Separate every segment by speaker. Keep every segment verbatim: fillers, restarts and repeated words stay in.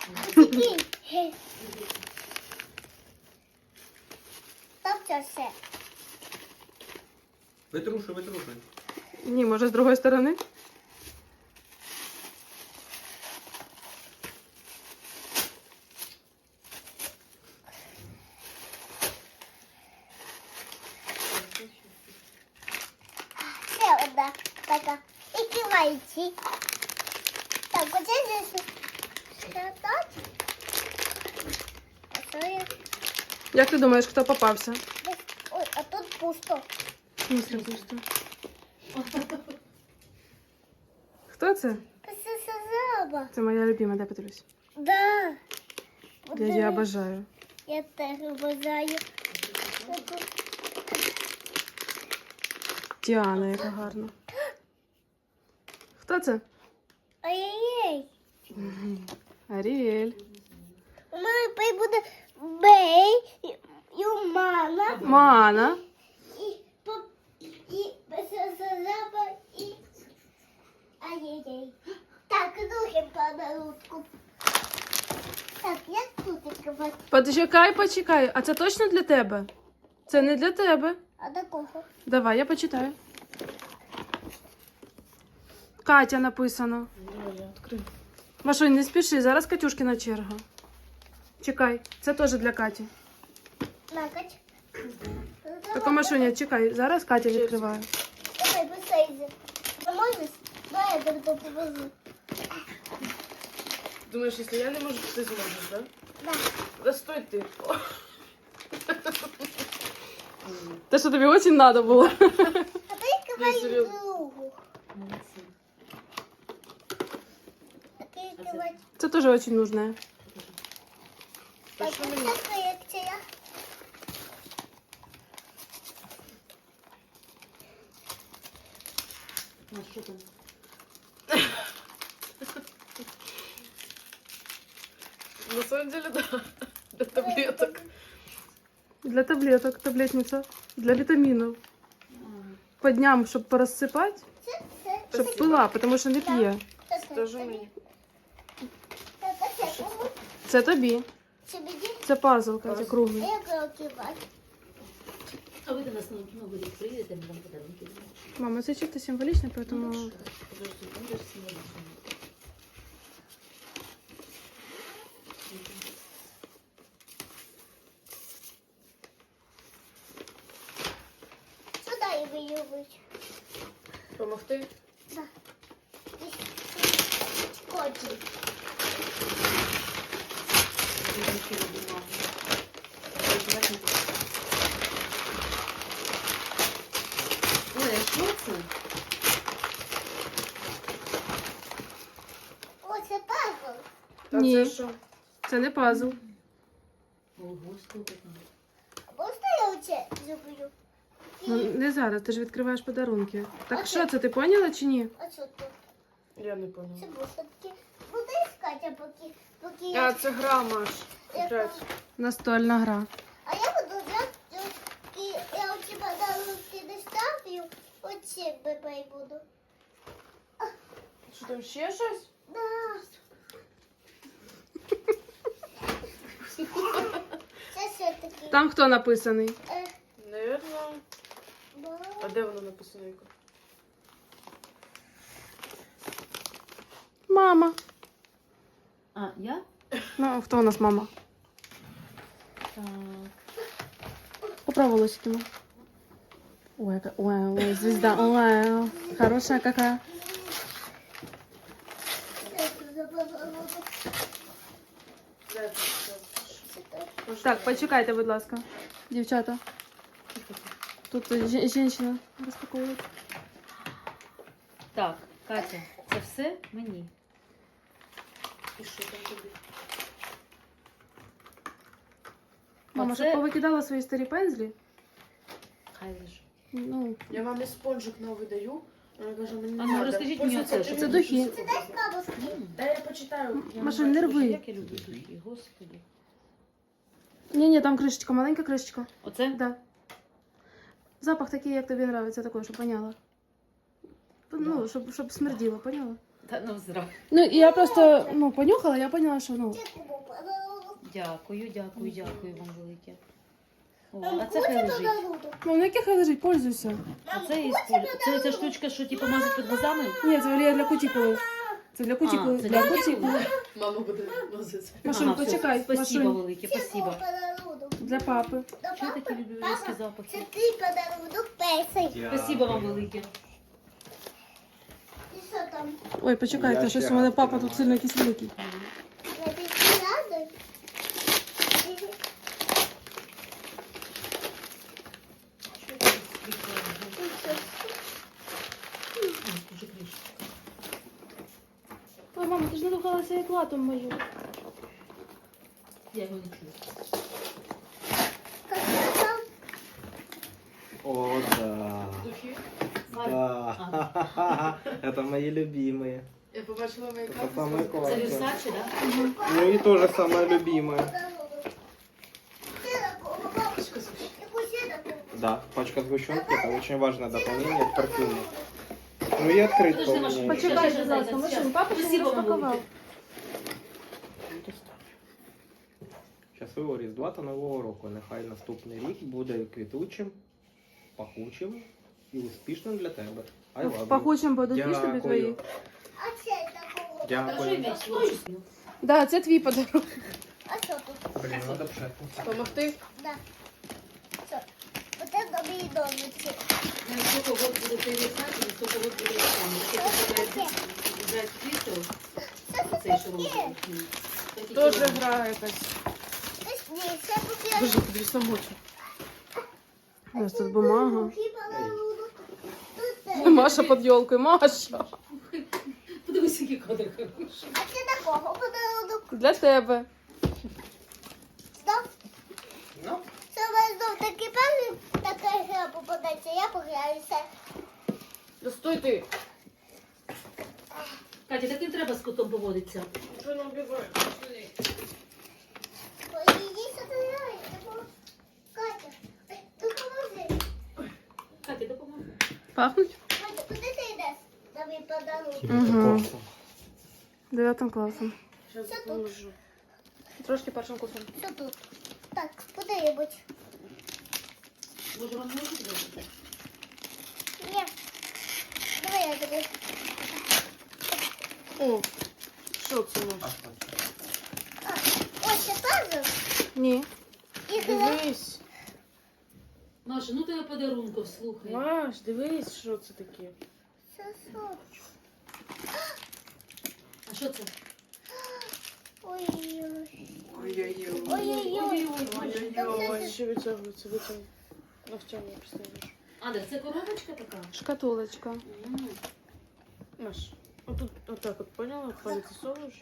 Speaker 1: Тобто все.
Speaker 2: Витрушуй, витрушуй.
Speaker 3: Ні, може з другої сторони?
Speaker 1: Ще одна така. І кивайці. Так, оце здесь. Ще так. А що я?
Speaker 3: Як ти думаєш, хто попався?
Speaker 1: Десь- Ой, а тут пусто.
Speaker 3: В смысле пусто? Хто це?
Speaker 1: Це сазаба.
Speaker 3: Це моя любима, дай подивлюсь.
Speaker 1: Да.
Speaker 3: Я її обожаю.
Speaker 1: Я теж обожаю.
Speaker 3: Діана, яка гарна. Хто це?
Speaker 1: Ай-яй-яй.
Speaker 3: Аріель.
Speaker 1: У мене пей буде бей, і- і у мана,
Speaker 3: Мана.
Speaker 1: і поп, і сазаба, і ай-яй-яй. Так, другим подарунку. Так, як тут відкривати?
Speaker 3: Почекай, почекай. А це точно для тебе? Це не для тебе.
Speaker 1: А до кого?
Speaker 3: Давай, я почитаю. Катя написано. Машунь, не спіши, зараз Катюшкина черга. Чекай, це теж для Каті.
Speaker 1: Накать.
Speaker 3: Так, Машуня, чекай, зараз Катя відкриває.
Speaker 1: Давай, посейзи. Поможеш? Давай, я тобі повезу.
Speaker 3: Думаєш, якщо я не можу, ти зможеш, так?
Speaker 1: Да.
Speaker 3: Да стой ти. Те, що тобі дуже треба було.
Speaker 1: А ти відкривай
Speaker 3: серйозно.
Speaker 1: другу. А ти відкривай.
Speaker 3: Це теж дуже нужне.
Speaker 1: Так, ось ця колекція.
Speaker 4: А що там?
Speaker 3: На самом деле, да. Для таблеток. Для таблеток, таблетниця. Для вітамінів. По дням, щоб порозсипати,
Speaker 1: Це, це,
Speaker 3: щоб пила, тому що не п'є.
Speaker 1: це, це,
Speaker 3: Теж
Speaker 1: це.
Speaker 3: мені.
Speaker 1: Так, а це кому?
Speaker 3: Це тобі.
Speaker 1: Це мені?
Speaker 3: Це пазл, Катя,
Speaker 1: А
Speaker 3: круглий.
Speaker 1: як його кивати?
Speaker 4: А ви до нас на Новий рік приїдете, ми вам подарунки зробимо.
Speaker 3: Мама, це чисто символічно, поэтому...
Speaker 4: Подожди, там даже символічно.
Speaker 1: Сюди і виюбить.
Speaker 3: Помогти?
Speaker 1: Да. Скотчем.
Speaker 4: Ой, а що це?
Speaker 1: О, це пазл.
Speaker 3: Ні, це не пазл.
Speaker 4: Ого, сколько там.
Speaker 1: Можна я оце зроблю?
Speaker 3: Ну, не зараз, ти ж відкриваєш подарунки. Так що це, ти поняла чи ні?
Speaker 1: А що тут?
Speaker 3: Я не
Speaker 1: Це
Speaker 3: поняла.
Speaker 1: бусинки. Буду іскати, а поки, поки я...
Speaker 3: А, це гра, Маш.
Speaker 1: я-
Speaker 3: Настольна гра.
Speaker 1: А я буду взяти, і я оці подарунки не ставлю, оці бебей буду.
Speaker 3: Що там ще щось?
Speaker 1: Да. Це все таки.
Speaker 3: Там хто написаний?
Speaker 1: Е,
Speaker 3: Наверно.
Speaker 1: ба.
Speaker 3: А де воно написано? Мама.
Speaker 4: А, я?
Speaker 3: Ну, хто у нас мама?
Speaker 4: Так.
Speaker 3: Поправ волосиками. Ой, яка... ой, ой, звезда. Ой, хорошая какая.
Speaker 1: Це тут забагато. Це так.
Speaker 3: Так, почекайте, будь ласка. Дівчата. Тут жі- жінка розпаковує.
Speaker 4: Так, Катя, це все мені.
Speaker 3: І що там тобі? Мама,
Speaker 4: Оце-
Speaker 3: щоб повикидала свої старі пензлі.
Speaker 4: Хай лежить.
Speaker 3: Ну,
Speaker 5: Я мамі спонжик новий даю. Вона каже, мені
Speaker 4: А
Speaker 5: не
Speaker 4: ну,
Speaker 5: надо.
Speaker 4: розкажіть мені
Speaker 5: Просто
Speaker 4: оце, що
Speaker 3: це духи.
Speaker 1: Це дай бабушки.
Speaker 5: Дай я почитаю. Я
Speaker 3: Маша,
Speaker 5: не
Speaker 3: не
Speaker 5: бачу.
Speaker 3: рви.
Speaker 4: Як я люблю духи, господи.
Speaker 3: ні-ні, там кришечка, маленька кришечка.
Speaker 4: Оце?
Speaker 3: Да. Запах такий, як тобі подобається, такий, щоб воняло. Ну, щоб, щоб смерділо, поняла?
Speaker 4: Та ну зра.
Speaker 3: Ну, і я просто, ну, понюхала, я поняла, що, ну,
Speaker 1: Це кому подарунок.
Speaker 4: Дякую, дякую, дякую вам велике. О,
Speaker 1: Мам,
Speaker 4: а це хай
Speaker 1: хоче
Speaker 4: лежить.
Speaker 1: подарунок?
Speaker 3: ну, на яких лежить, пользуйся.
Speaker 4: А це є Це ця штучка, що типу мазать під глазами?
Speaker 3: Ні, це Валерія для кутікули. Це для кутікули,
Speaker 4: А, це
Speaker 3: для
Speaker 4: для
Speaker 3: кутікули.
Speaker 5: Мама буде возити.
Speaker 3: Машунь,
Speaker 4: Ага, все.
Speaker 3: почекай,
Speaker 4: Спасибо
Speaker 3: Машунь.
Speaker 4: велике,
Speaker 1: Це
Speaker 4: спасибо.
Speaker 1: кому подарунок?
Speaker 3: Для папи.
Speaker 1: До
Speaker 4: Що я такі
Speaker 1: папи?
Speaker 4: люблю
Speaker 1: Папа,
Speaker 4: різкі
Speaker 1: це
Speaker 4: запахи?
Speaker 1: твій подарунок перший.
Speaker 4: Спасибо вам велике.
Speaker 1: І що там?
Speaker 3: Ой, почекайте,
Speaker 2: Я
Speaker 3: щось
Speaker 2: ще
Speaker 3: у мене
Speaker 2: раз
Speaker 3: папа тут
Speaker 2: тримаю.
Speaker 3: сильно якийсь великий.
Speaker 1: Я підсядаю.
Speaker 3: Ой, мама, ти ж надухалася як латом мою.
Speaker 4: Я його не чую.
Speaker 1: Як це там?
Speaker 2: О, да.
Speaker 5: Духи.
Speaker 2: Да. Это мои любимые.
Speaker 5: Я побачила мої
Speaker 2: Это самое
Speaker 4: Це
Speaker 2: классное.
Speaker 4: Версаче, да?
Speaker 2: Ну и тоже самое любимое.
Speaker 1: Подарунок. Це такого, бабушка. Яку ще такого?
Speaker 2: Да, пачка сгущенки это очень важное дополнение к парфюму. Ну и открытка
Speaker 4: Подожди,
Speaker 2: у
Speaker 4: Маша,
Speaker 2: меня.
Speaker 4: почекай.
Speaker 3: Почекай,
Speaker 4: Щас,
Speaker 3: будь ласка,
Speaker 4: щас,
Speaker 3: Машунь,
Speaker 4: щас.
Speaker 3: папа ще не
Speaker 4: Спасибо вам
Speaker 3: розпакував.
Speaker 4: велике.
Speaker 2: Щасливого Різдва та Нового року. Нехай наступний рік буде квітучим, пахучим і успішним для тебе. I love you.
Speaker 3: Пахучим будуть тобі
Speaker 2: Дякую.
Speaker 3: твої.
Speaker 1: А це такого?
Speaker 4: Покажи
Speaker 2: Дякую.
Speaker 4: м'яч творчістю.
Speaker 3: Да, це твій подарунок.
Speaker 1: А що тут?
Speaker 2: Блін, надо пшати.
Speaker 5: Помогти?
Speaker 1: Да. Що? Оце тобі і домиці.
Speaker 4: Ну, сколько год буде цей Версаче, і сколько год буде там. Таке буде брати квітів. Цей шоу.
Speaker 3: Тоже гра якась.
Speaker 1: Ні, це купила.
Speaker 3: Боже, тобі самочу. У нас тут бумага. Маша під ёлкою, Маша.
Speaker 4: Подивись, який кадр хороший.
Speaker 1: А це такого подарунок?
Speaker 3: Для тебе.
Speaker 1: Стоп.
Speaker 2: Ну,
Speaker 1: Це у вас знов таки певний така гра попадається, я пограюся.
Speaker 5: Да стой ти.
Speaker 4: Катя, так не треба з котом поводитися.
Speaker 5: Що нам бігає?
Speaker 1: Ой, іди сюди, допоможи. Катя, ой, допоможи.
Speaker 4: Катя, допоможи.
Speaker 3: Пахнуть?
Speaker 1: Катя, куди ти йдеш? За мій подарунок.
Speaker 3: Угу. Дев'ятим класом.
Speaker 5: Зараз
Speaker 1: Що тут?
Speaker 5: допоможу.
Speaker 3: Трошки першим курсом.
Speaker 1: Що тут? Так, куди-небудь.
Speaker 4: Може, вам можуть зробити?
Speaker 1: Ні. Давай я тобі.
Speaker 5: О, що це у нас?
Speaker 1: А, ось це пазл.
Speaker 3: Ні.
Speaker 1: І гра.
Speaker 5: Дивись.
Speaker 4: Маша, ну тебе подарунков, слухай.
Speaker 5: Маш, дивись, що це таке.
Speaker 1: Це що?
Speaker 4: А що це?
Speaker 1: Ой-ой-ой.
Speaker 5: Ой-ой-ой.
Speaker 1: Ой-ой-ой.
Speaker 5: Ой-ой-ой. Ще витягується, витягується. Навчання представиш.
Speaker 4: А, так це коробочка така?
Speaker 3: Шкатулочка.
Speaker 4: М.
Speaker 5: Маш, отут, отак от, поняла? Палець совуєш.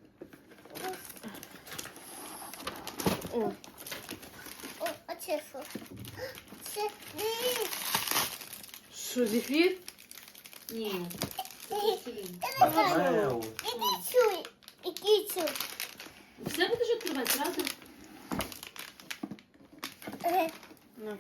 Speaker 5: О,
Speaker 1: О, а це що? Це дивись.
Speaker 5: що, зефір?
Speaker 4: Ні.
Speaker 1: Ні. Я не знаю. Іди сюди. Іди сюди.
Speaker 4: Все будеш відкривати зразу?
Speaker 1: Е,
Speaker 5: На.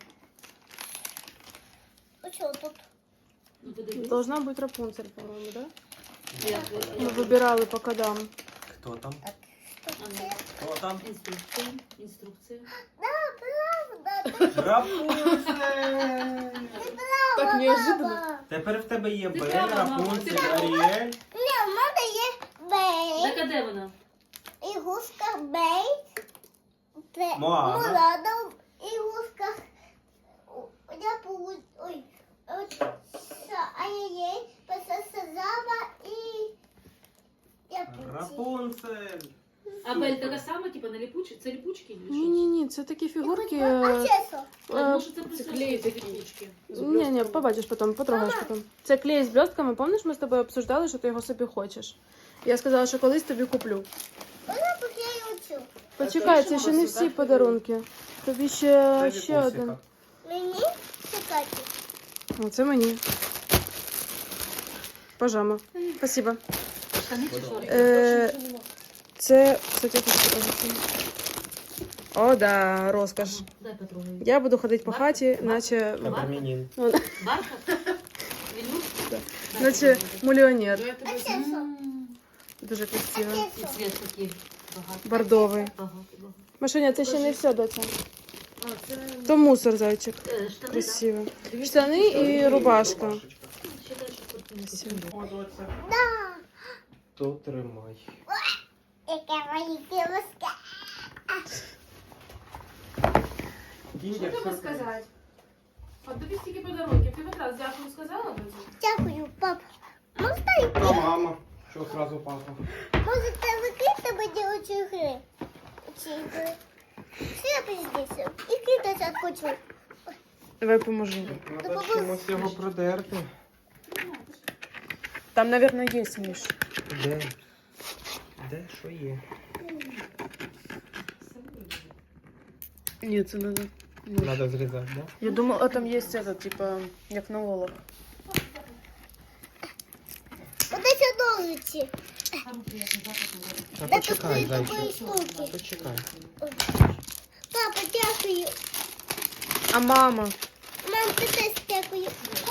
Speaker 1: ну що тут?
Speaker 4: Ну, подивись.
Speaker 3: Должна бути Рапунцель, по-моєму, да?
Speaker 4: Як,
Speaker 3: Ми
Speaker 4: як?
Speaker 3: вибирали по кодам.
Speaker 2: Хто там?
Speaker 1: Так, що
Speaker 4: А,
Speaker 1: це?
Speaker 2: Хто там?
Speaker 4: Інструкція. Інструкція.
Speaker 1: Да, правда. Ти
Speaker 2: Рапунцель!
Speaker 3: Так
Speaker 1: права,
Speaker 3: неожиданно.
Speaker 1: баба.
Speaker 2: Тепер в тебе є
Speaker 4: Ти
Speaker 2: Бель,
Speaker 4: права, мама,
Speaker 2: Рапунцель,
Speaker 4: ти права.
Speaker 2: Аріель.
Speaker 1: Ні, в мене є бей.
Speaker 4: Так, а де вона?
Speaker 1: Ігрушка бей. Це
Speaker 2: Моана.
Speaker 1: Мулана. Ігрушка. Я получ... Ой. От що? Ай-яй-яй. Пососазава і... Я получила.
Speaker 2: Рапунцель!
Speaker 4: А Бель така сама, типу, на ліпучі? Це ліпучки? чи що?
Speaker 3: Ні-ні-ні, це такі фігурки.
Speaker 1: А це що?
Speaker 4: А,
Speaker 3: е,
Speaker 4: може, це просто
Speaker 5: клей
Speaker 4: ці
Speaker 5: такий.
Speaker 4: ліпучки?
Speaker 3: Ні, ні, побачиш потім, потрогаєш потім. Це клей з блістками, пам'ятаєш, ми з тобою обсуждали, що ти його собі хочеш. Я сказала, що колись тобі куплю.
Speaker 1: Вона поклею цю.
Speaker 3: Почекай,
Speaker 5: це
Speaker 3: це
Speaker 5: що,
Speaker 3: ще не
Speaker 5: просто
Speaker 3: всі
Speaker 5: так
Speaker 3: подарунки. Тобі ще, ще один.
Speaker 1: Мені чекати.
Speaker 3: О, це мені. Пажама. Спасибо.
Speaker 4: Штани чи шорти?
Speaker 3: Е, це, кстати, я хочу показати. О, да, розкош.
Speaker 4: Дай потрогаю.
Speaker 3: Я буду ходити по хаті, наче...
Speaker 2: Кабрамінін.
Speaker 4: Бархат? Вільнюшка?
Speaker 3: Да. Наче мільйонер.
Speaker 5: Давай тебе
Speaker 1: А це що?
Speaker 3: Дуже красиво.
Speaker 4: І цвіт такий багатий.
Speaker 3: Бордовий.
Speaker 4: Багатий, багатий.
Speaker 3: Машиня, це ще не все, доця.
Speaker 5: А, це...
Speaker 3: То мусор, зайчик.
Speaker 4: Е, Штани,
Speaker 3: Красиво. Штани і рубашка.
Speaker 4: да? Ще далі спортивні.
Speaker 2: О, доця.
Speaker 1: Да.
Speaker 2: То тримай.
Speaker 1: Яка мої кілоска.
Speaker 3: Що треба сказати? От тобі стільки подарунків. Ти хоч раз дякую сказала, доця?
Speaker 1: Дякую, пап. Можна
Speaker 2: А мама? Що сразу папа?
Speaker 1: можете закрити мені оці гри? Оці ігри. Все здесь. І кидати хочу.
Speaker 3: Давай поможу.
Speaker 2: Треба чимось його продерти.
Speaker 3: Там, мабуть, є, Міш.
Speaker 2: Де? Де що є?
Speaker 3: Ні, це надо.
Speaker 2: Треба зрізати, да?
Speaker 3: Я думала, там є це, типа, як на лолах.
Speaker 1: Вот эти ножиці.
Speaker 4: Там приємний запах.
Speaker 2: Та
Speaker 1: Де
Speaker 2: почекай,
Speaker 1: тут такої
Speaker 2: зайчик.
Speaker 1: штуки.
Speaker 2: Почекай.
Speaker 1: Папа, дякую.
Speaker 3: А мама?
Speaker 1: Мам, ти теж дякую.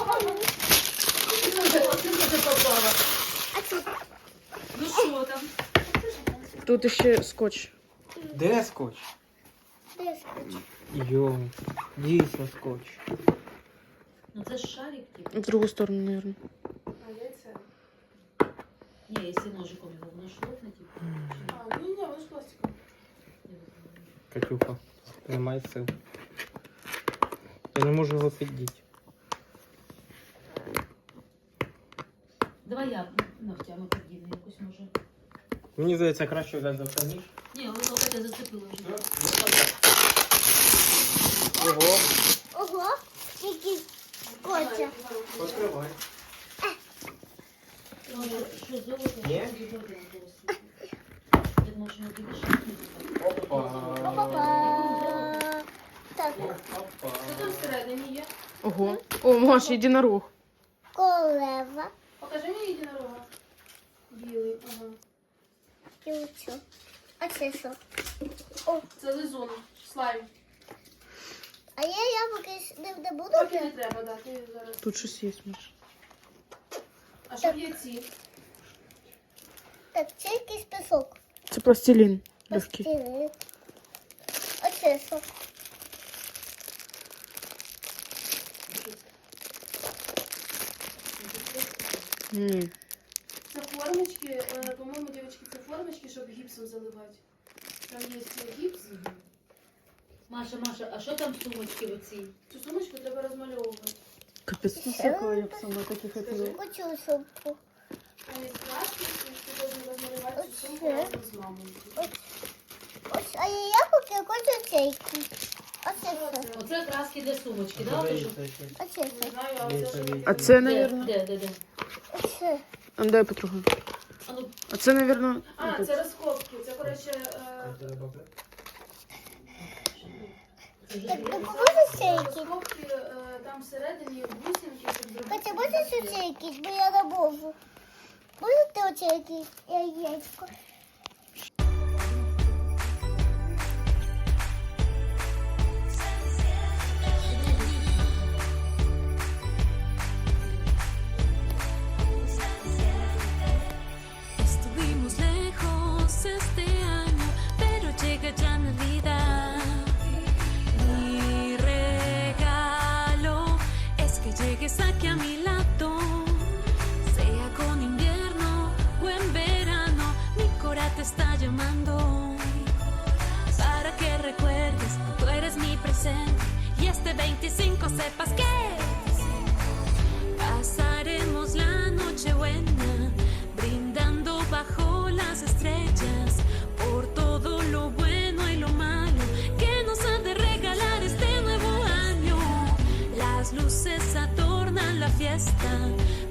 Speaker 1: А це
Speaker 4: Ну що там?
Speaker 3: Тут ще скотч.
Speaker 2: Де скотч?
Speaker 1: де скотч?
Speaker 2: Йо, дійсно скотч.
Speaker 4: Ну це ж шарик, типу.
Speaker 3: В другу сторону, мабуть.
Speaker 5: А, яйця.
Speaker 4: Ні, якщо ножиком його воно шлопне, типу.
Speaker 5: А, ні, ні, воно ж пластикове.
Speaker 2: Катюха, немає сил. Я не можу його піддіти.
Speaker 4: Давай я ногтями подібну якусь може.
Speaker 2: Мені здається, краще взяти за це ніж.
Speaker 4: Ні, воно Катя зацепило вже.
Speaker 2: Ого,
Speaker 1: Ого, який скотча.
Speaker 2: відкривай.
Speaker 4: Що, золото?
Speaker 2: Ні?
Speaker 4: Золото на голосі. Я думаю, що не більше.
Speaker 2: Опа.
Speaker 1: Па-па. Так,
Speaker 2: Опа.
Speaker 5: Що там всередині є?
Speaker 3: Ого. О, Маш, єдинорог.
Speaker 1: корова.
Speaker 5: Покажи мені єдинорога. Білий, ага.
Speaker 1: І оцю. А це що?
Speaker 5: Це лизун, слайм.
Speaker 1: А я яблуки не, не буду
Speaker 5: Поки не
Speaker 1: брати?
Speaker 5: треба, да, ти зараз.
Speaker 3: Тут щось є, Маш.
Speaker 5: А що є ці?
Speaker 1: Так, це якийсь пісок.
Speaker 3: Це пластилін. Легкий.
Speaker 1: Пластилин. А це що?
Speaker 3: М.
Speaker 5: Це формочки, е, по-моєму, дівчатки, це формочки, щоб гіпсом заливати. Там є гіпс.
Speaker 4: Маша, Маша, а що там сумочки оці?
Speaker 5: Цю сумочку треба розмальовувати.
Speaker 3: Капець, ну всякого я б сама таких хотіла.
Speaker 1: Оцю сумку.
Speaker 5: Там є краски, і ти повинен розмалювати цю сумку разом з мамою.
Speaker 1: Ось, а я яблуки хочу цейки. А це що?
Speaker 4: Оце краски для сумочки, да? Ото що?
Speaker 1: А це
Speaker 5: Не
Speaker 1: що?
Speaker 5: знаю, але це що?
Speaker 3: А це,
Speaker 4: Де,
Speaker 3: мабуть.
Speaker 4: де, де, де?
Speaker 1: Оце.
Speaker 3: А дай потроху.
Speaker 4: А ну,
Speaker 3: А це, мабуть.
Speaker 5: А, це розкопки. Це, коротше, е,
Speaker 4: це вже
Speaker 1: Так,
Speaker 4: є.
Speaker 1: ну можеш цейки?
Speaker 5: розкопки, е, там всередині бусинки, щоб зробити.
Speaker 1: Катя, можеш оце якісь, бо я не можу. Можете оце якісь яєчко?
Speaker 6: Estuvimos lejos este año, pero llega ya Navidad. Mi regalo es que llegues aquí a mi lado, sea con invierno o en verano, mi cora te está llamando. Para que recuerdes, tú eres mi presente y este veinticinco sepas que pasaremos la noche buena, brindando bajo las estrellas por todo lo bueno y lo malo que nos ha de regalar este nuevo año. Las luces adornan la fiesta,